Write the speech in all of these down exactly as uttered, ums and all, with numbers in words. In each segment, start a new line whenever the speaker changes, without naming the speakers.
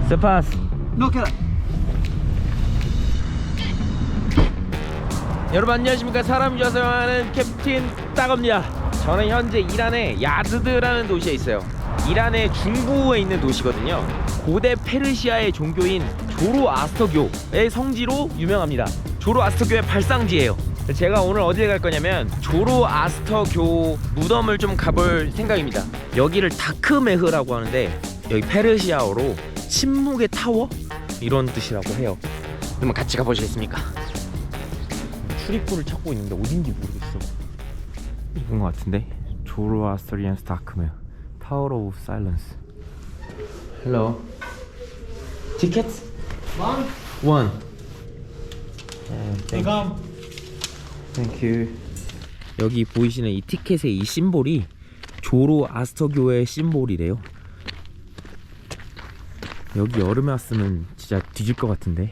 스파스.
노케라.
여러분 안녕하십니까. 사람 좌성하는 캡틴 따겁니다. 저는 현재 이란의 야즈드라는 도시에 있어요. 이란의 중부에 있는 도시거든요. 고대 페르시아의 종교인 조로아스터교의 성지로 유명합니다. 조로아스터교의 발상지예요. 제가 오늘 어디에 갈 거냐면 조로아스터교 무덤을 좀 가볼 생각입니다. 여기를 다크메흐라고 하는데 여기 페르시아어로 침묵의 타워? 이런 뜻이라고 해요. 그러면 같이 가보시겠습니까? 출입구를 찾고 있는데 어딘지 모르겠어. 이건 것 같은데. 조로아스터리안 다크메흐 타워 오브 사일런스. 헬로. 티켓?
One.
원. 땡큐. 땡큐. 여기 보이시는 이 티켓의 이 심볼이 조로아스터교의 심볼이래요. 여기 여름에 왔으면 진짜 뒤질 것 같은데.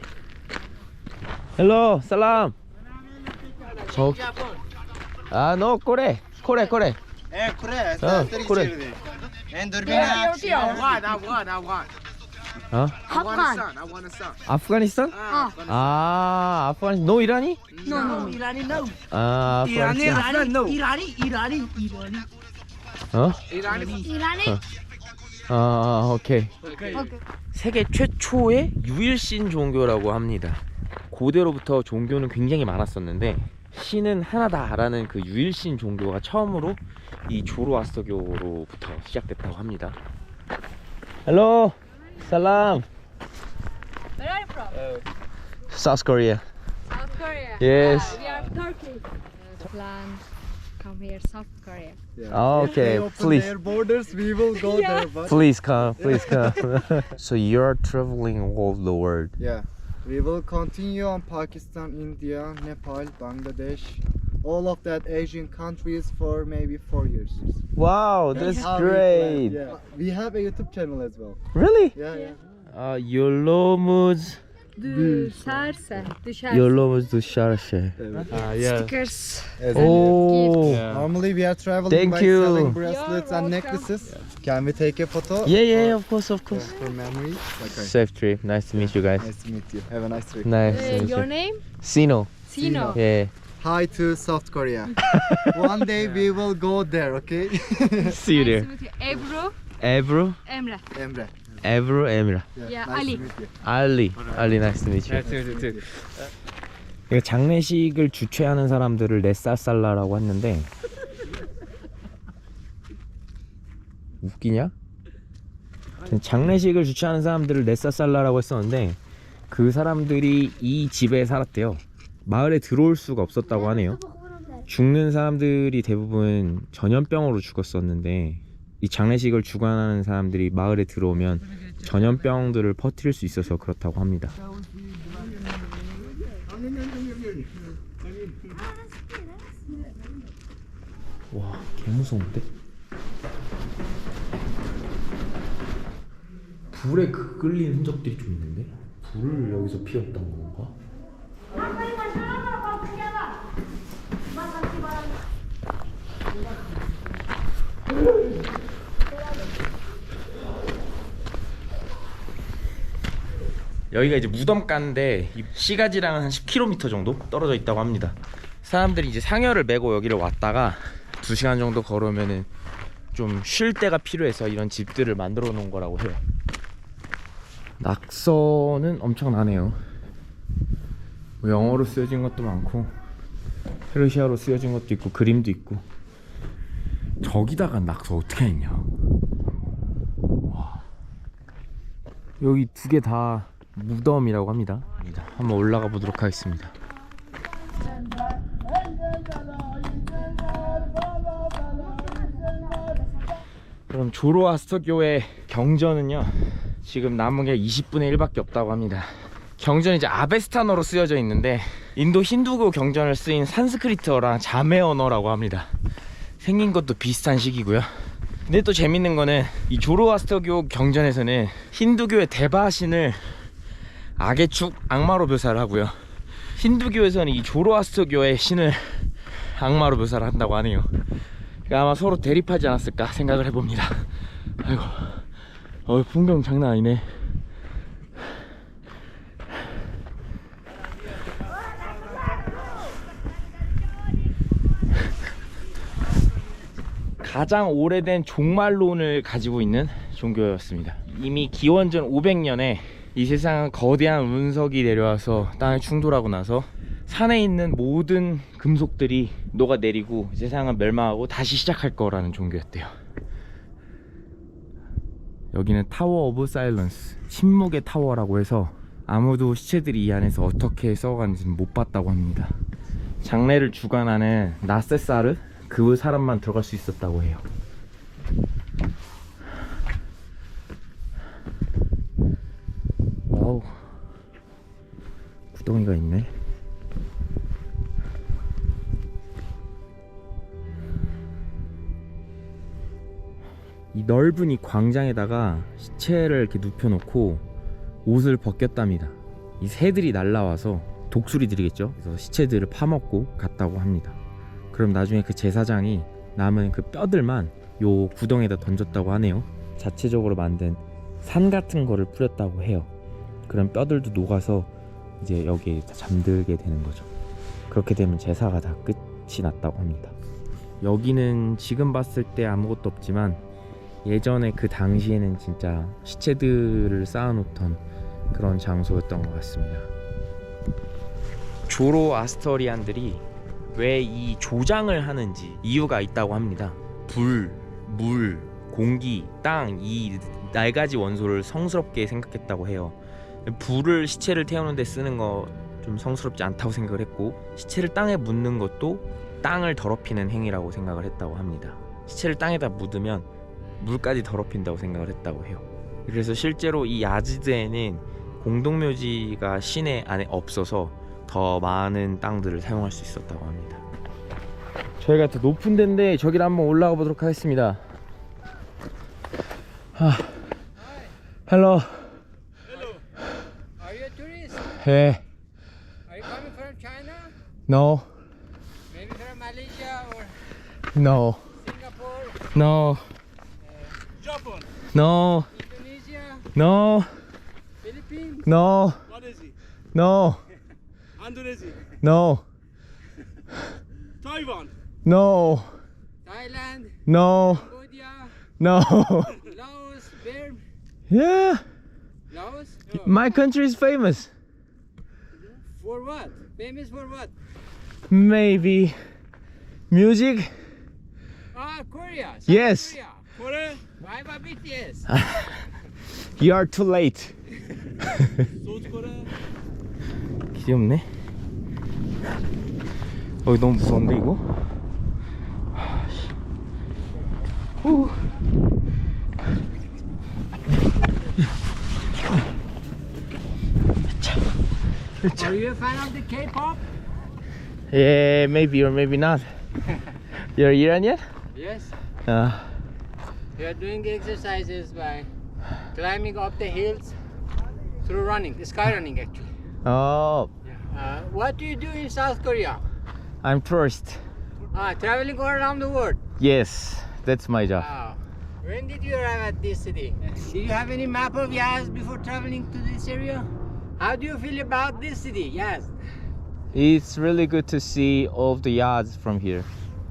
헬로 살람. 저... 아, 너 꼬레 꼬레 꼬레.
Eh, kure.
어, 꼬레.
And Durbina. Afghan, Afghan, Afghan.
어?
Afghanistan, Afghanistan.
아프가니스탄? 아, 아프가니스탄. 너 이란이?
No, no, Irani, no.
아,
Irani,
아프가니스탄.
Afghan, no.
Irani, Irani, Irani.
어?
Irani.
Irani?
아, 아, 오케이.
Okay.
Okay.
세계 최초의 유일신 종교라고 합니다. 고대로부터 종교는 굉장히 많았었는데 신은 하나다라는 그 유일신 종교가 처음으로 이 조로아스터교로부터 시작됐다고 합니다. 헬로, 살람.
Where are you from?
South Korea.
South Korea.
Yes.
We are Turkey. Uh, plan come here, South Korea.
Oh, okay, please,
Their borders, we will go there. But
please come, please come. So you're traveling all the world.
Yeah, we will continue on Pakistan, India, Nepal, Bangladesh, all of that Asian countries for maybe four years.
Wow, that's
How we
great.
plan, Yeah, we have a YouTube channel as well.
Really?
Yeah, yeah.
Uh, Yolomuz,
Düşerse, düşerse.
Yolomuz dışarışı.
Uh, yeah.
Stickers.
As
Oh.
Normally we are traveling
Thank
by
you.
selling bracelets
You're
and
welcome.
necklaces. Can we take a photo?
Yeah, yeah, of course, of course.
For memory. Okay.
Safe trip. Nice to meet you guys.
Nice to meet you. Have a nice trip.
Nice
Uh,
to meet
your
you.
name?
Sino.
Sino.
Yeah.
Hi to South Korea. One day we will go there, okay?
See you
Nice
there.
to meet you. Ebru,
Ebru,
Emre.
Emre.
Ebru, Emra.
Yeah,
nice
Ali.
to meet you.
Ali. Ali, nice to meet you. 이거 장례식을 주최하는 사람들을 네살살라라고 했는데 웃기냐? 장례식을 주최하는 사람들을 네살살라라고 했었는데 그 사람들이 이 집에 살았대요. 마을에 들어올 수가 없었다고 하네요. 죽는 사람들이 대부분 전염병으로 죽었었는데 이 장례식을 주관하는 사람들이 마을에 들어오면 전염병들을 퍼뜨릴 수 있어서 그렇다고 합니다. 와, 개무서운데? 불에 그 끌린 흔적들이 좀 있는데? 불을 여기서 피웠던 건가? 여기가 이제 무덤가인데 시가지랑은 한 십 킬로미터 정도 떨어져 있다고 합니다. 사람들이 이제 상여를 메고 여기를 왔다가 두 시간 정도 걸으면은 좀 쉴 데가 필요해서 이런 집들을 만들어 놓은 거라고 해요. 낙서는 엄청나네요. 영어로 쓰여진 것도 많고 페르시아로 쓰여진 것도 있고 그림도 있고. 저기다가 낙서 어떻게 했냐. 와. 여기 두 개 다 무덤이라고 합니다. 한번 올라가 보도록 하겠습니다. 그럼 조로아스터교의 경전은요 지금 남은 게 이십분의 일밖에 없다고 합니다. 경전이 이제 아베스탄어로 쓰여져 있는데 인도 힌두교 경전을 쓰인 산스크리트어랑 자매 언어라고 합니다. 생긴 것도 비슷한 식이고요. 근데 또 재밌는 거는 이 조로아스터교 경전에서는 힌두교의 대바신을 악의 축 악마로 묘사를 하고요, 힌두교에서는 이 조로아스터교의 신을 악마로 묘사를 한다고 하네요. 그러니까 아마 서로 대립하지 않았을까 생각을 해봅니다. 아이고, 어, 풍경 장난 아니네. 가장 오래된 종말론을 가지고 있는 종교였습니다. 이미 기원전 오백 년에 이 세상은 거대한 운석이 내려와서 땅에 충돌하고 나서 산에 있는 모든 금속들이 녹아내리고 세상은 멸망하고 다시 시작할 거라는 종교였대요. 여기는 타워 오브 사일런스, 침묵의 타워라고 해서 아무도 시체들이 이 안에서 어떻게 썩어가는지는 못 봤다고 합니다. 장례를 주관하는 나세사르 그 사람만 들어갈 수 있었다고 해요. 와우, 구덩이가 있네. 이 넓은 이 광장에다가 시체를 이렇게 눕혀놓고 옷을 벗겼답니다. 이 새들이 날라와서 독수리 들이겠죠. 그래서 시체들을 파먹고 갔다고 합니다. 그럼 나중에 그 제사장이 남은 그 뼈들만 요 구덩이에다 던졌다고 하네요. 자체적으로 만든 산 같은 거를 뿌렸다고 해요. 그럼 뼈들도 녹아서 이제 여기에 잠들게 되는 거죠. 그렇게 되면 제사가 다 끝이 났다고 합니다. 여기는 지금 봤을 때 아무것도 없지만 예전에 그 당시에는 진짜 시체들을 쌓아놓던 그런 장소였던 것 같습니다. 조로아스터리안들이 왜 이 조장을 하는지 이유가 있다고 합니다. 불, 물, 공기, 땅, 이 네 가지 원소를 성스럽게 생각했다고 해요. 불을 시체를 태우는 데 쓰는 거 좀 성스럽지 않다고 생각을 했고, 시체를 땅에 묻는 것도 땅을 더럽히는 행위라고 생각을 했다고 합니다. 시체를 땅에다 묻으면 물까지 더럽힌다고 생각을 했다고 해요. 그래서 실제로 이 야지드에는 공동묘지가 시내 안에 없어서 더 많은 땅들을 사용할 수 있었다고 합니다. 저희가 더 높은 데인데 저기를 한번 올라가 보도록 하겠습니다. 아, 헬로.
Hello. Are you a tourist?
예.
Are you coming from China?
No.
Maybe from Malaysia or
No.
Singapore?
No.
Japan.
No.
Indonesia?
No.
Philippines?
No.
What is it?
No.
Indonesia.
No.
Taiwan.
No.
Thailand.
No.
Cambodia.
No.
Laos. Where?
Yeah.
Laos? Oh.
My country is famous.
For what? Famous for what?
Maybe music.
Ah, Korea. South
Yes.
Korea. Korea? Why about B T S?
You are too late.
South Korea?
길이 없네. 어, 너무 무서운데 이거? 후.
Are you a fan of the K-pop?
Yeah, maybe or maybe not. You're Iranian?
Yes.
Uh,
We are doing exercises by climbing up the hills through running, sky running actually.
oh,
Uh, what do you do in South Korea?
I'm tourist.
Ah, traveling all around the world.
Yes, that's my job.
Wow. When did you arrive at this city? Did you have any map of Yazd before traveling to this area? How do you feel about this city, Yazd?
It's really good to see all of the yards from here.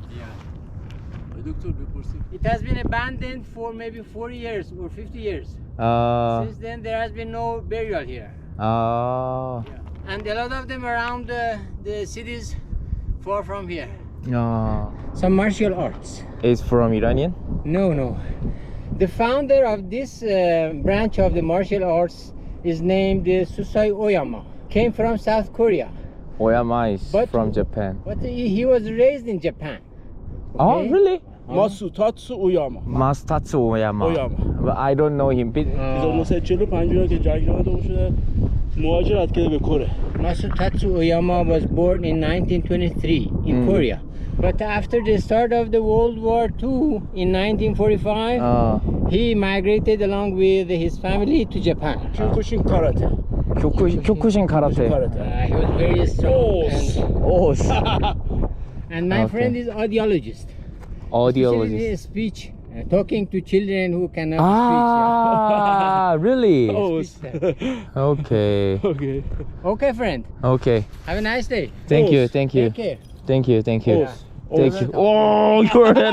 It has been abandoned for maybe forty years or fifty years.
Uh,
Since then, there has been no burial here.
uh,
And a lot of them around the, the cities far from here.
uh,
Some martial arts.
it's from Iranian?
No, no. The founder of this uh, branch of the martial arts is named uh, Susai Oyama. Came from South Korea,
Oyama is
But-
from Japan.
but he, he was raised in Japan.
Oh,
Okay.
really?
마수타츠 오야마.
Mastatsu Oyama.
Oyama.
But I don't know him. Bit-
그래서 اون چهل و پنج که جنگ جهانی دوم شده مهاجرت کرده به کره.
Masutatsu Oyama was born in nineteen twenty-three in
Mm.
Korea. But after the start of the World War Two in nineteen forty-five,
uh,
he migrated along with his family to Japan.
کیوکوشین کاراته.
Kyokushin, Kyokushin Karate.
کاراته.
Uh, he was very strong.
اوس.
And,
Oh,
and my
Okay.
friend is audiologist. Especially
audiologist.
speech, uh, talking to children who cannot
Ah, really?
اوس.
speak.
Okay.
اوکی.
Okay, friend.
Okay.
Have a nice day.
Thank you.
Yes.
Thank you.
Take care.
Thank you. Thank you.
اوس.
Thank you. Oh, your head.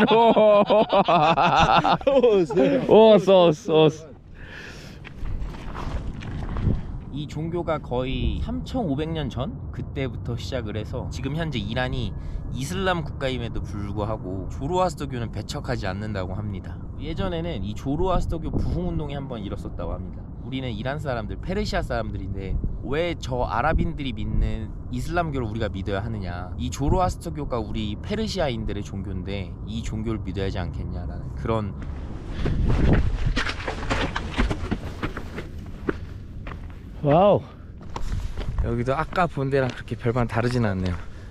Oh, so, so. 이 종교가 거의 삼천오백 년 전 그때부터 시작을 해서 지금 현재 이란이 이슬람 국가임에도 불구하고 조로아스터교는 배척하지 않는다고 합니다. 예전에는 이 조로아스터교 부흥운동이 한번 일었었다고 합니다. 우리는 이란 사람들, 페르시아 사람들인데 왜 저 아랍인들이 믿는 이슬람교를 우리가 믿어야 하느냐, 이 조로아스터교가 우리 페르시아인들의 종교인데 이 종교를 믿어야 하지 않겠냐라는 그런. 와우, 여기도 아까 본 데랑 그렇게 별반 다르진 않네요.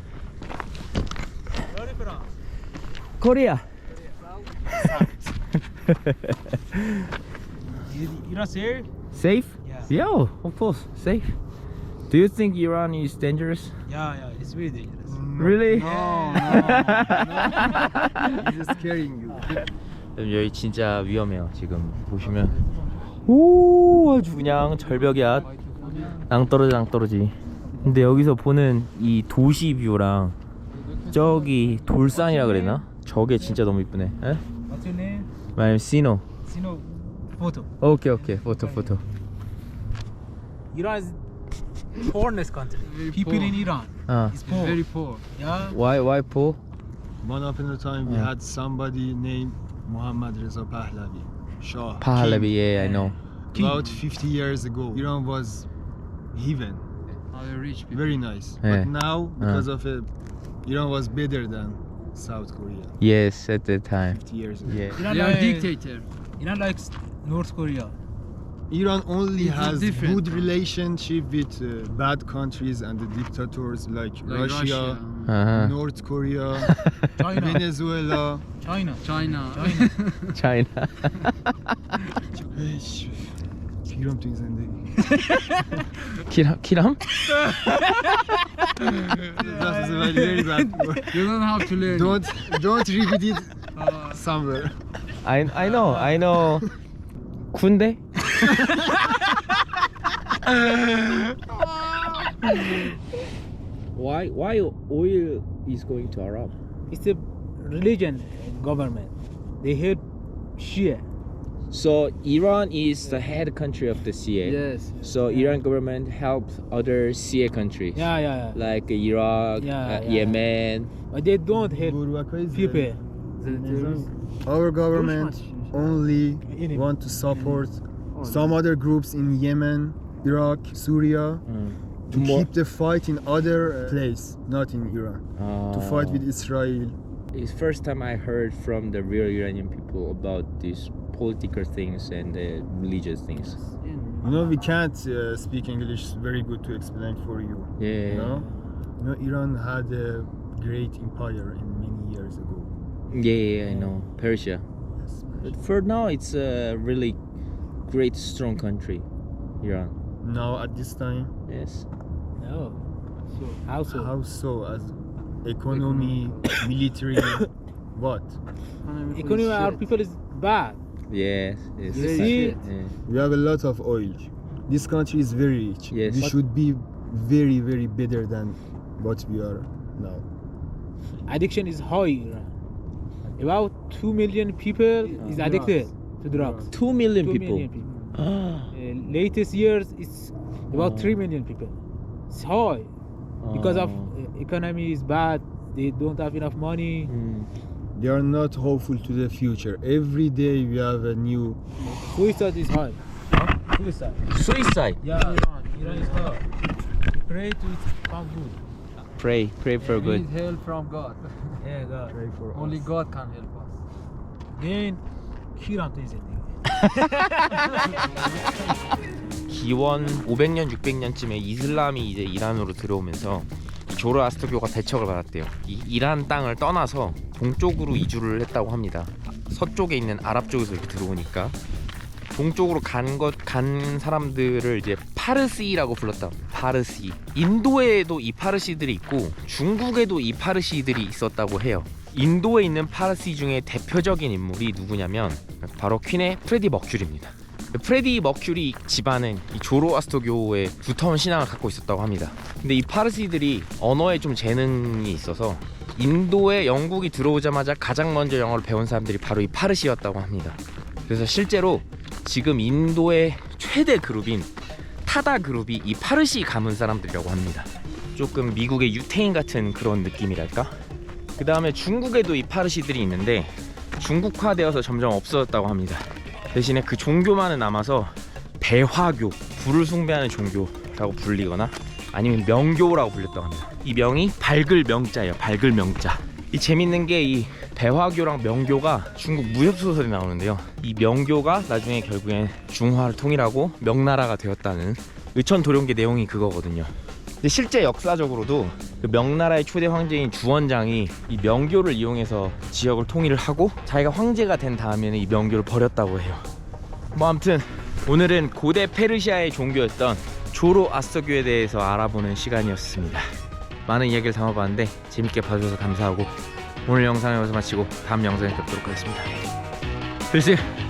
코리아.
Iran safe?
Safe?
Yeah.
Yeah, of course, safe. Do you think Iran is dangerous?
Yeah, yeah, it's very dangerous.
Really?
No, no, no. He's scaring you.
여기 진짜 위험해요. 지금 보시면 오, 아주 그냥 절벽이야. 낭떠러지 낭떠러지. 근데 여기서 보는 이 도시 뷰랑 저기 돌산이라 그랬나? 저게 진짜 너무 이쁘네. 에?
What's your name?
My name is Sino.
Sino photo.
오케이 오케이. 포토 포토.
Iran is poorest country. People in Iran
아.
is poor.
Very poor.
Yeah.
Why why poor?
One upon a time we
Yeah.
had somebody named Muhammad Reza Pahlavi, Shah.
Pahlavi,
king.
yeah, I know.
About fifty years ago, Iran was heaven,
rich people.
very nice.
Yeah.
But now, because of it, Iran was better than South Korea
Yes, at that time.
fifty years ago.
Yeah.
Iran
They are
like,
dictator.
Iran likes North Korea.
Iran only
It's
has
different.
good relationship with uh, bad countries and the dictators like,
Like
Russia,
Uh-huh.
North Korea,
China.
Venezuela.
China.
China.
China.
China.
پیرم تو این زندگی.
키람 키람?
That was a very, very bad word.
You don't have to learn.
Don't don't repeat it somewhere.
I I know I know. 군대? Why why oil is going to Arab?
It's a religion government. They hate Shia.
So Iran is the head country of the C A.
Yes.
So Iran government helps other C A countries
Yeah, yeah, yeah.
like Iraq,
Yeah,
uh,
yeah.
Yemen.
But they don't hate
Gurbakay
people.
Our government only want to support some other groups in Yemen, Iraq, Syria to
More-
keep the fight in other uh, place, not in Iran. To fight with Israel.
It's first time I heard from the real Iranian people about these political things and the religious things.
You know, we can't uh, speak English very good to explain for you.
Yeah.
You know, you know, Iran had a great empire in many years ago.
Yeah, yeah, yeah, I know. Persia. But for now, it's a really great, strong country, Iran.
Now at this time,
Yes.
No. So how so?
how so? As economy, military, what?
Economy our people is bad.
Yes. Yes.
You see?
Yeah.
We have a lot of oil. This country is very rich.
Yes.
We
But-
should be very, very better than what we are now.
Addiction is high in Iran. About two million people is addicted to drugs.
Two million
Two
people.
million people.
Ah.
Uh, latest years it's about
Oh.
three million people. It's high because of
Oh.
uh, economy is bad. They don't have enough money.
Mm.
They are not hopeful to the future. Every day we have a new.
Suicide is high. Suicide.
Suicide.
Yeah, Iran. Iran is high. We pray to it come good.
Pray, pray for good.
help from God.
Yeah, God.
Pray for
Only
us.
God can help us.
Then 키랑 또 이제
기원 오백 년, 육백 년쯤에 이슬람이 이제 이란으로 들어오면서 이 조로아스터교가 배척을 받았대요. 이 이란 땅을 떠나서 동쪽으로 이주를 했다고 합니다. 서쪽에 있는 아랍 쪽에서 이렇게 들어오니까 동쪽으로 간 것 간 사람들을 이제 파르시라고 불렀다. 파르시. 인도에도 이 파르시들이 있고 중국에도 이 파르시들이 있었다고 해요. 인도에 있는 파르시 중에 대표적인 인물이 누구냐면 바로 퀸의 프레디 머큐리입니다. 프레디 머큐리 집안은 이 조로아스터교의 두터운 신앙을 갖고 있었다고 합니다. 근데 이 파르시들이 언어에 좀 재능이 있어서 인도에 영국이 들어오자마자 가장 먼저 영어를 배운 사람들이 바로 이 파르시였다고 합니다. 그래서 실제로 지금 인도의 최대 그룹인 타다 그룹이 이 파르시 가문 사람들이라고 합니다. 조금 미국의 유태인 같은 그런 느낌이랄까? 그 다음에 중국에도 이 파르시들이 있는데 중국화되어서 점점 없어졌다고 합니다. 대신에 그 종교만은 남아서 배화교, 불을 숭배하는 종교라고 불리거나 아니면 명교라고 불렸다고 합니다. 이 명이 밝을 명자예요. 밝을 명자. 이 재밌는 게 이 배화교랑 명교가 중국 무협소설에 나오는데요. 이 명교가 나중에 결국엔 중화를 통일하고 명나라가 되었다는 의천도룡기 내용이 그거거든요. 근데 실제 역사적으로도 그 명나라의 초대 황제인 주원장이 이 명교를 이용해서 지역을 통일을 하고 자기가 황제가 된 다음에는 이 명교를 버렸다고 해요. 뭐 아무튼 오늘은 고대 페르시아의 종교였던 조로아스터교에 대해서 알아보는 시간이었습니다. 많은 이야기를 담아봤는데 재밌게 봐주셔서 감사하고 오늘 영상을 여기서 마치고 다음 영상에 뵙도록 하겠습니다. 필승!